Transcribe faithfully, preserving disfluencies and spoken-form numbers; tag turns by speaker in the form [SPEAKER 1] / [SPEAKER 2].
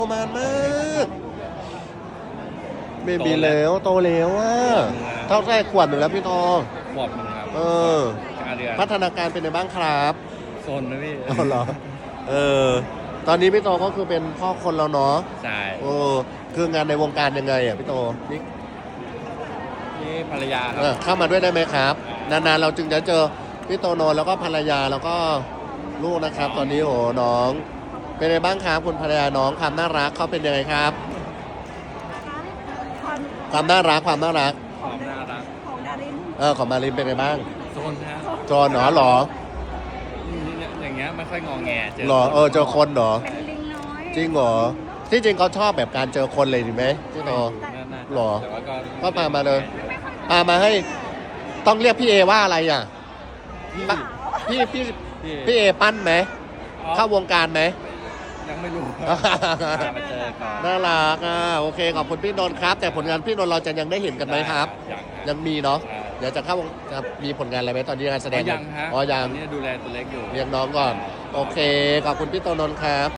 [SPEAKER 1] ประมาณมากเบบีแล้วโตแล้วว่าเท่าไรขวบหนึ่งแล้วพี่ตอง
[SPEAKER 2] ขวบหนึ่งครับ
[SPEAKER 1] เออ
[SPEAKER 2] ห้าเดือน
[SPEAKER 1] พัฒนาการเป็นยังไงบ้างครับ
[SPEAKER 2] โซนนะพี่
[SPEAKER 1] เอาเหรอเออตอนนี้พี่โตก็คือเป็นพ่อคนแล้วเนาะ
[SPEAKER 2] ใช่
[SPEAKER 1] เออคืองานในวงการยังไงอ่ะพี่โตนี่
[SPEAKER 2] นี่ภรรยาค
[SPEAKER 1] เอ
[SPEAKER 2] รั
[SPEAKER 1] อบ เข้ามาด้วยได้ไหมครับ นานๆเราจึงจะเจอพี่โตโนแล้วก็ภรรยาแล้วก็ลูกนะครับ ตอนนี้โหน้อง เป็นไงบ้างครับคุณภรรยาน้องความน่ารักเขาเป็นยังไงครับ
[SPEAKER 3] ความ
[SPEAKER 1] ความน่ารักความน่ารัก
[SPEAKER 2] ความน่ารัก
[SPEAKER 3] ของดาริน
[SPEAKER 1] เออของมารินเป็นไงบ้าง
[SPEAKER 2] โซนนะ
[SPEAKER 1] จอนเหรอหรอ
[SPEAKER 2] อย่างเงี้ยไม่ค่อยงอแงเจอ
[SPEAKER 1] หรอเออเจอคนเหรอ
[SPEAKER 3] เป็นลิงน้อย
[SPEAKER 1] จริงเหรอที่จริงเขาชอบแบบการเจอคนเลยถูกไหมพี่โต
[SPEAKER 2] น่าๆ
[SPEAKER 1] หรอ
[SPEAKER 2] แต่ว่าก็
[SPEAKER 1] ก็พามาเลย พามาให้ต้องเรียกพี่เอว่าอะไรอ่ะปะพี่พี่
[SPEAKER 2] พี่
[SPEAKER 1] พี่เอปั้นไหม
[SPEAKER 2] อ๋อ
[SPEAKER 1] เข้าวงการไหม
[SPEAKER 2] ยังไม่รู้ครับมาเจอก่อน
[SPEAKER 1] น่ารักอ่ะโอเคขอบคุณพี่นนท์ครับ แต่ผลงานพี่นนท์เราจะยังได้เห็นกันไหมครับ
[SPEAKER 2] ยัง
[SPEAKER 1] ยังมีเนาะ
[SPEAKER 2] ใช่
[SPEAKER 1] เดี๋ยวจะเข้าวงจะมีผลงานอะไรไหมตอนนี้งานแสด
[SPEAKER 2] อ๋อง ยังฮะ
[SPEAKER 1] อ๋อยัง
[SPEAKER 2] ตอนนี้ดูแลตัวเล็กอยู่
[SPEAKER 1] เลี้ยงน้องก่อน โอเคขอบคุณพี่โตนนท์ครับ